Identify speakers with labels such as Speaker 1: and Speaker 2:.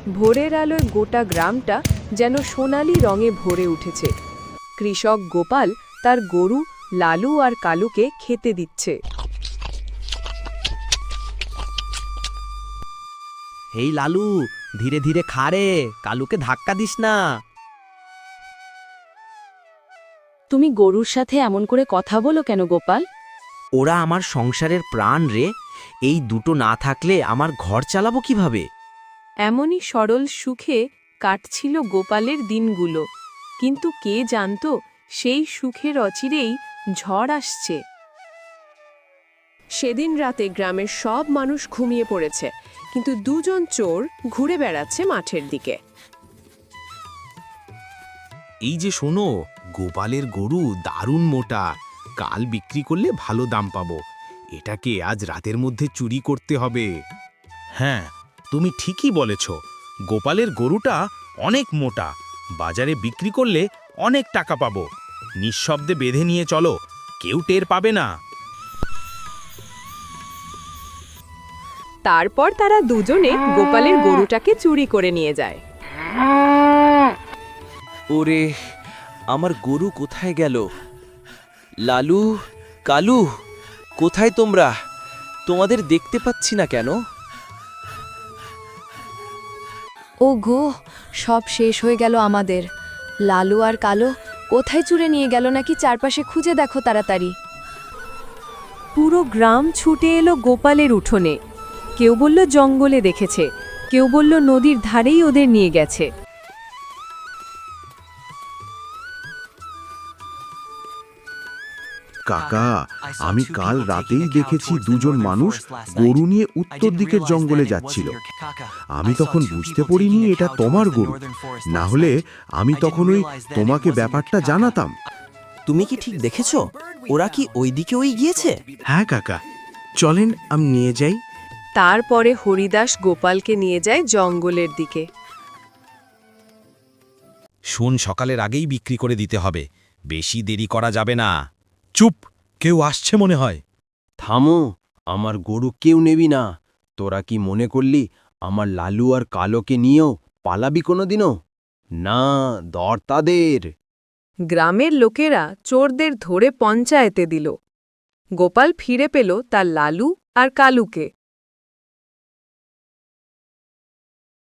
Speaker 1: ভোরের আলোয় গোটা গ্রামটা যেন সোনালি রঙে ভরে উঠেছে। কৃষক গোপাল তার গরু লালু আর কালুকে খেতে দিচ্ছে।
Speaker 2: হেই লালু, ধীরে ধীরে খা রে, কালুকে ধাক্কা দিস না।
Speaker 1: তুমি গরুর সাথে এমন করে কথা বলো কেন গোপাল?
Speaker 2: ওরা আমার সংসারের প্রাণ রে, এই দুটো না থাকলে আমার ঘর চালাবো কিভাবে?
Speaker 1: এমনই সরল সুখে কাটছিল গোপালের দিনগুলো, কিন্তু কে জানতো সেই সুখের অচিরেই ঝড় আসছে। সেদিন রাতে গ্রামের সব মানুষ ঘুমিয়ে পড়েছে, কিন্তু দুজন চোর ঘুরে বেড়াচ্ছে মাঠের দিকে।
Speaker 3: এই যে শোনো, গোপালের গরু দারুণ মোটা, কাল বিক্রি করলে ভালো দাম পাবো। এটাকে আজ রাতের মধ্যে চুরি করতে হবে। হ্যাঁ, তুমি ঠিকই বলেছ, গোপালের গরুটা অনেক মোটা, বাজারে বিক্রি করলে অনেক টাকা পাবো। নিঃশব্দে বেঁধে নিয়ে চলো, কেউ টের পাবে না।
Speaker 1: তারপর তারা দুজনে গোপালের গরুটাকে চুরি করে নিয়ে যায়।
Speaker 4: ওরে, আমার গরু কোথায় গেল? লালু, কালু, কোথায় তোমরা? তোমাদের দেখতে পাচ্ছি না কেন?
Speaker 5: ও গো, সব শেষ হয়ে গেল আমাদের। লালু আর কালো কোথায় চুরে নিয়ে গেল নাকি চারপাশে খুঁজে দেখো তাড়াতাড়ি।
Speaker 1: পুরো গ্রাম ছুটে এলো গোপালের উঠোনে। কেউ বলল জঙ্গলে দেখেছে, কেউ বলল নদীর ধারেই ওদের নিয়ে গেছে।
Speaker 6: কাকা, আমি কাল রাতেই দেখেছি দুজন মানুষ গরু নিয়ে উত্তর দিকের জঙ্গলে যাচ্ছিল। আমি তখন বুঝতে পারিনি এটা তোমার গরু, না হলে আমি তখন তোমাকে ব্যাপারটা জানাতাম।
Speaker 2: তুমি কি ঠিক দেখেছো? ওরা কি ওই দিকে গিয়েছে?
Speaker 3: হ্যাঁ কাকা, চলেন আমি নিয়ে যাই।
Speaker 1: তারপরে হরিদাস গোপালকে নিয়ে যায় জঙ্গলের দিকে।
Speaker 3: শোন, সকালের আগেই বিক্রি করে দিতে হবে, বেশি দেরি করা যাবে না। চুপ, কেউ আসছে মনে হয়।
Speaker 4: থামো, আমার গরু কেউ নেবি না। তোরা কি মনে করলি আমার লালু আর কালোকে নিয়েও পালাবি কোনোদিনও? না, দর তাদের।
Speaker 1: গ্রামের লোকেরা চোরদের ধরে পঞ্চায়েতে দিল। গোপাল ফিরে পেল তার লালু আর কালুকে।